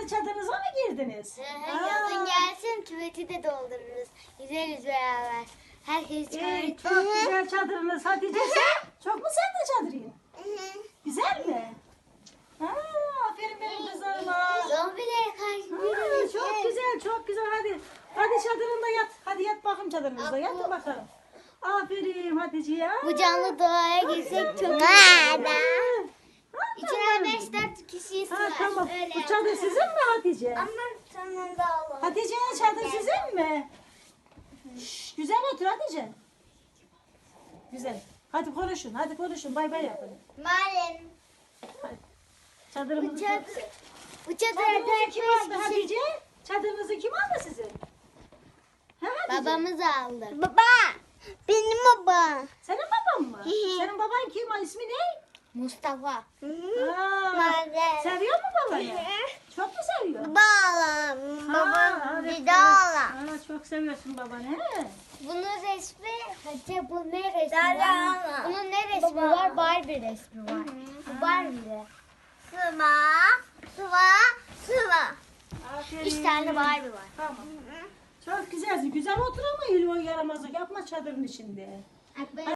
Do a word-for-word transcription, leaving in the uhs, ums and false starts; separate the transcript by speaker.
Speaker 1: çadırınıza mı girdiniz?
Speaker 2: Yazın gelsin küveti de doldururuz. Gideriz beraber. Herkes
Speaker 1: Ee,
Speaker 2: çağırır.
Speaker 1: çok güzel çadırınız Hatice sen. Çok mu sen de çadırın? Güzel mi? Ha, aferin benim kızlarıma.
Speaker 2: Zombilere karşı
Speaker 1: Ha,
Speaker 2: yürüyoruz.
Speaker 1: çok güzel, çok güzel. Hadi, hadi çadırında yat. Hadi yat bakayım çadırınızda. Yatın bakalım. Aferin Hatice ya.
Speaker 2: Bu canlı doğaya girsek çok iyi.
Speaker 1: Ha,
Speaker 2: İçine beş dört kişi
Speaker 1: Ha,
Speaker 2: sığar.
Speaker 1: tamam.
Speaker 2: Öyle
Speaker 1: Bu çadır sizin mi Hatice?
Speaker 2: Ama sonunda olur.
Speaker 1: Hatice'nin çadır sizin mi? Şş, güzel otur Hatice. Güzel. Hadi konuşun, hadi konuşun. Bay bay yapın.
Speaker 2: Malum.
Speaker 1: Hadi.
Speaker 2: Bu
Speaker 1: Çadırımızı...
Speaker 2: çadır. Bu çadır
Speaker 1: Çadırınızı kim aldı
Speaker 2: dört beş kişi.
Speaker 1: Hatice? Çadırınızı kim aldı sizin? Ha, Hatice?
Speaker 2: Babamız aldı. Baba. Benim baba.
Speaker 1: Senin baban mı?
Speaker 2: Hı hı.
Speaker 1: Senin baban kim? İsmi ne?
Speaker 2: Mustafa.
Speaker 1: Aa,
Speaker 2: Nerede?
Speaker 1: seviyor mu babanı? Çok mu seviyor?
Speaker 2: Bağlam.
Speaker 1: Ha, evet,
Speaker 2: bir
Speaker 1: evet.
Speaker 2: daha
Speaker 1: Ha, çok seviyorsun babanı. He?
Speaker 2: Bunun resmi, Hatice bu ne resmi var? Bunun ne resmi var? Barbie resmi var. Bu Barbie. Sıva, sıva, sıva.
Speaker 1: Aferin.
Speaker 2: Üç tane Barbie var.
Speaker 1: Tamam. Çok güzelsin. Güzel otur ama öyle o yaramazlık yapma çadırın içinde.